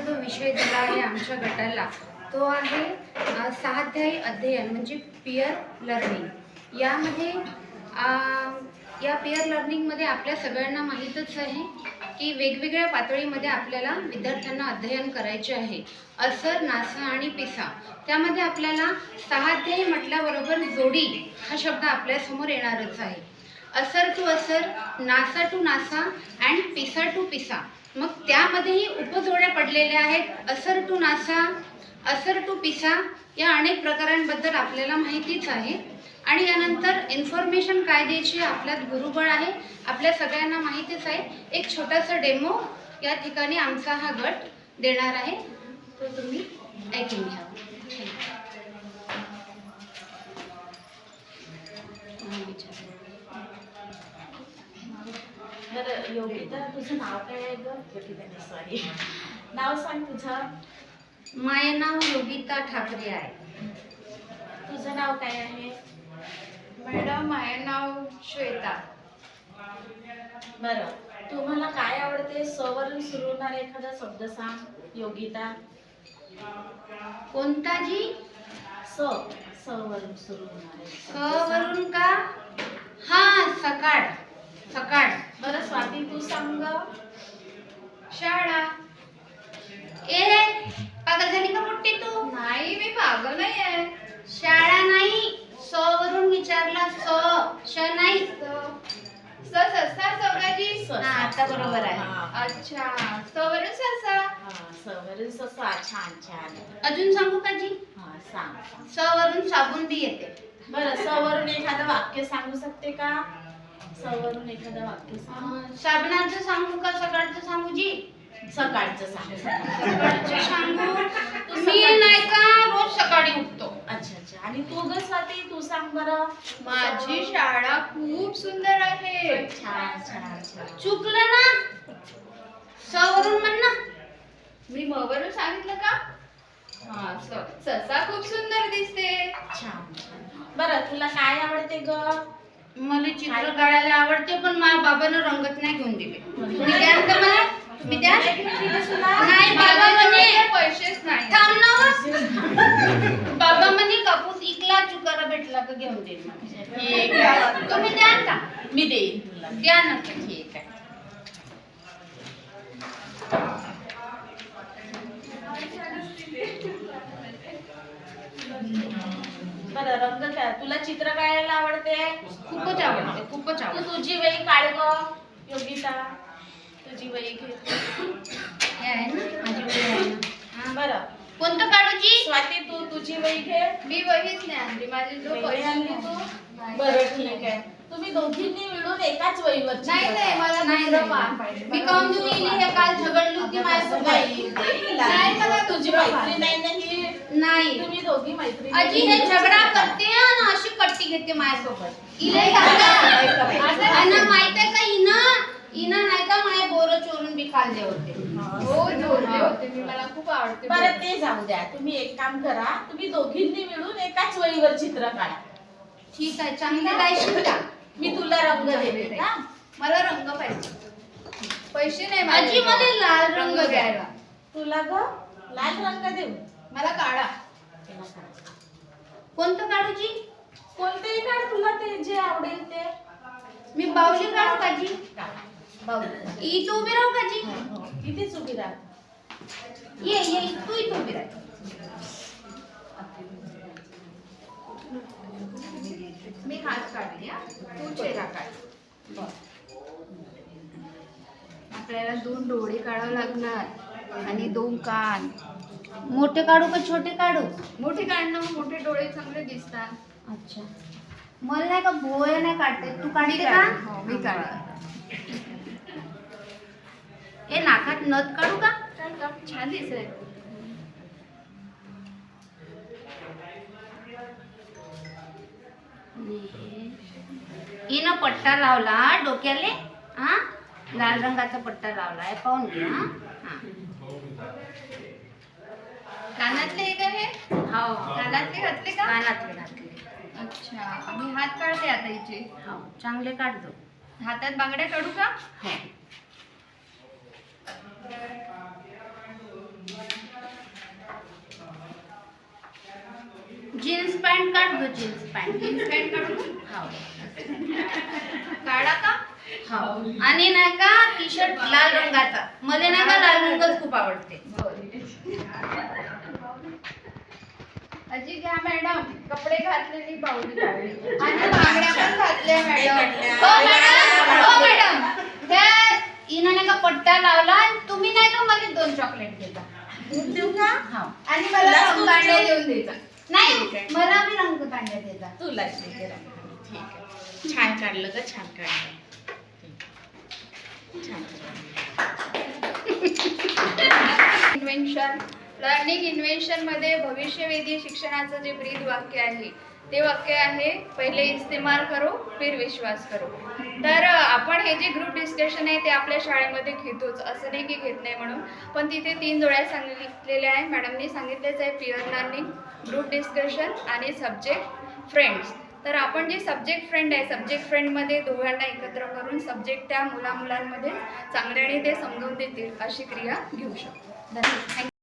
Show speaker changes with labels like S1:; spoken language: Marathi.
S1: जो विषय दिला आहे आमच्या गटाला तो आहे स्वाध्यायी अध्ययन म्हणजे पियर लर्निंग। यामध्ये या पियर लर्निंगमध्ये आपल्या सगळ्यांना माहीतच आहे की वेगवेगळ्या पातळीमध्ये आपल्याला विद्यार्थ्यांना अध्ययन करायचे आहे। असर, नासा आणि पिसा त्यामध्ये आपल्याला स्वाध्यायी म्हटल्याबरोबर जोडी हा शब्द आपल्यासमोर येणारच आहे। असर टू असर, नासा टू नासा अँड पिसा टू पिसा, मग त्यामध्येही उपजोड्या पडलेल्या आहेत। असर टू नासा, असर टू पिसा या अनेक प्रकारांबद्दल आपल्याला माहितीच आहे। आणि यानंतर इन्फॉर्मेशन काय द्यायची आपल्यात गुरुबळ आहे, आपल्या सगळ्यांना माहितीच आहे। एक छोटासा डेमो या ठिकाणी आमचा हा गट देणार आहे, तो तुम्ही ऐकून घ्या।
S2: बरं योगिता, तुझं नाव काय आहे ग? योगिता सॉरी, नाव सांग तुझं।
S1: माझे नाव योगिता ठाकरे आहे।
S2: तुझं नाव काय आहे?
S3: मॅडम माझे नाव श्वेता।
S2: बरं, तुम्हाला काय आवडते? स वरून सुरू होणारा एखादा शब्द सांग योगिता।
S1: कोणता जी?
S2: स वरून सुरू होणारे
S1: स वरून का? हा, सकाळ। सकाळ।
S2: बरं स्वाती, तू सांग।
S3: शाळा।
S1: ए पागल झाली का मोठी तू?
S3: नाही, मी पागल नाही आहे।
S1: शाळा नाही, स वरून विचारला, स, श नाही।
S3: ससा सवराजी।
S1: हा, आता बरोबर आहे।
S3: अच्छा, सवरून ससा।
S2: स वरून ससा, छान छान।
S1: अजून सांगू का जी?
S2: हा सांग।
S1: स वरून साबून बी येते।
S2: बरं, स वरून एखादं वाक्य सांगू शकते का? स वरून एखादं वाक्य सांग।
S1: साबणाचं सांगू का सकाळचं सांगू जी?
S2: सकाळचं सांग।
S1: सकाळचं सांगू। मी नाही का रोज सकाळी उठतो।
S2: अच्छा अच्छा, आणि तू ग स्वाती, तू सांग बरं।
S3: माझी शाळा खूप सुंदर आहे।
S2: छान छान छान।
S1: चुकलं ना, स वरून म्हण ना।
S3: मी म वरून सांगितलं का? हा, ससा खूप सुंदर दिसते।
S2: छान छान। बरं, तुला काय आवडते ग?
S1: मला चित्र काढायला आवडते, पण माझ्या बाबानं रंगत नाही घेऊन दिले। तुम्ही द्याल का मला? तुम्ही द्याल? नाही, बाबा म्हणे
S3: पैसेच नाही।
S1: थांब ना व. बाबा म्हणे कापूस इकला चुकारा भेटला का घेऊन देईल म्हणे।
S2: ठीक आहे,
S1: तुम्ही द्याल का?
S2: मी देईन तुला।
S1: द्या ना।
S2: ठीक आहे। बरं, रंग काय तुला चित्र काढायला आवडते?
S1: खूपच आवडते, खूपच
S2: तू
S1: आवडते।
S2: तुझी वही काढ ग योगिता, तुझी वही घे।
S1: हे आहे ना माझी वही आहे ना। हा,
S2: बरं
S1: कोणतं काढू जी?
S2: स्वाती, तू तुझी वही घे।
S3: मी वहीच नाही आणली, माझी जो
S2: वही आणली तू? बरं ठीक आहे, तुम्ही दोघींनी मिळून एकाच वहीवर चित्र
S3: नाही नाही,
S2: काढा.
S3: मला
S1: नाही,
S3: दुसरं
S1: नाही.
S3: पान पाहिजे।
S1: मी काहून देऊ इली? हे काल झगडली होती माझ्यासोबत।
S2: नाही, नाही, मला तुझी मैत्रीण नाही ना ही।
S1: नाही
S2: तुम्ही दोघी मैत्रिणी
S1: अजी हे झगडा करते आणि अशी कट्टी घेते माझ्यासोबत। इले आणि माहित आहे का हिनं नाही का माझे बोरं चोरून बी खाल्ले होते।
S3: हो, जोडले होते मी, मला खूप आवडते।
S2: बरं ते जाऊ द्या, तुम्ही एक काम करा, तुम्ही दोघींनी मिळून एकाच वहीवर चित्र काढा।
S1: ठीक आहे, चांगली राहशील का?
S2: मी तुला रंग देते का?
S3: मला रंग पाहिजे, पैसे नाही
S1: आजी मला
S3: माझ्याजवळ।
S1: लाल रंग द्यायला।
S2: तुला ग लाल रंग देऊ?
S3: मला काढा।
S1: कोणतं काढू जी?
S2: कोणतेही काढ, तुला ते जे आवडेल ते।
S1: मी बाहुली काढू का जी?
S2: बाहुली।
S1: इथं उभी राहू का जी?
S2: इथेच उभी राहा।
S1: ये तू इथं उभी राह।
S3: मी हात काढली, हा, तू चेहरा काढ। आपल्याला 2 डोळे काढावे लागणार आणि 2 कान।
S1: मोठे काढू का छोटे काढू?
S3: मोठे काढणं, मोठे डोळे चांगले दिसतात।
S1: अच्छा, मला नाही का भोया नाही काढते, तू काढते
S3: मी
S1: का?
S3: काढते, हो, मी काढते।
S1: ए नाकात नथ काढू का?
S3: छान दिसेल।
S1: हिनं पट्टा लावला डोक्याले, हा लाल रंगाचा पट्टा लावलाय, पाहून घे। हा,
S3: कानातले हे का हे?
S1: हो
S3: कानातले घातले का?
S1: कानातले घातले।
S3: अच्छा, मी हात काढते आता हिचे।
S1: हो चांगले काढ दो।
S3: हातात बांगड्या काढू का?
S1: हो जीन्स पॅन्ट काढ गं, जीन्स पॅन्ट.
S3: जीन्स पॅन्ट काढू
S1: हो
S3: काढा का
S1: हो. आणि नाही का टी शर्ट लाल रंगाचा. मला नाही का लाल रंगच खूप आवडते.
S3: अजी घ्या मॅडम, कपडे घातलेली बाहुली काढली आणि बांगड्या पण घातल्या मॅडम.
S1: हो मॅडम, हो मॅडम. त्या हिनं नाही का पट्टा लावला आणि तुम्ही नाही का मला 2 चॉकलेट देता.
S2: देऊ का?
S1: हो.
S3: आणि मला रंगकांड्या देऊन द्यायचा.
S1: नाही मला बी रंग कांड्या देता.
S2: तुला ठीक आहे. छान काढलं ग, छान काढलं. छान
S3: इन्व्हेन्शन लर्निंग इन्व्हेन्शन मध्ये भविष्यवेधी शिक्षणाचं जे ब्रीद वाक्य आहे ते वाक्य आहे, पहिले इस्तेमाल करो फिर विश्वास करो. तर आपण हे जे ग्रुप डिस्कशन आहे ते आपल्या शाळेमध्ये घेतोच, असं नाही की घेत नाही म्हणून, पण तिथे 3 जोड्या सांगितलेल्या आहे. मॅडमनी सांगितलेच आहे, पिअर लर्निंग, ग्रुप डिस्कशन आणि सब्जेक्ट फ्रेंड्स. तर आपण जे सब्जेक्ट फ्रेंड आहे, सब्जेक्ट फ्रेंडमध्ये दोघांना एकत्र करून सब्जेक्ट त्या मुलांमध्ये चांगल्याने ते समजून देतील अशी क्रिया घेऊ शकतो.
S1: धन्यवाद.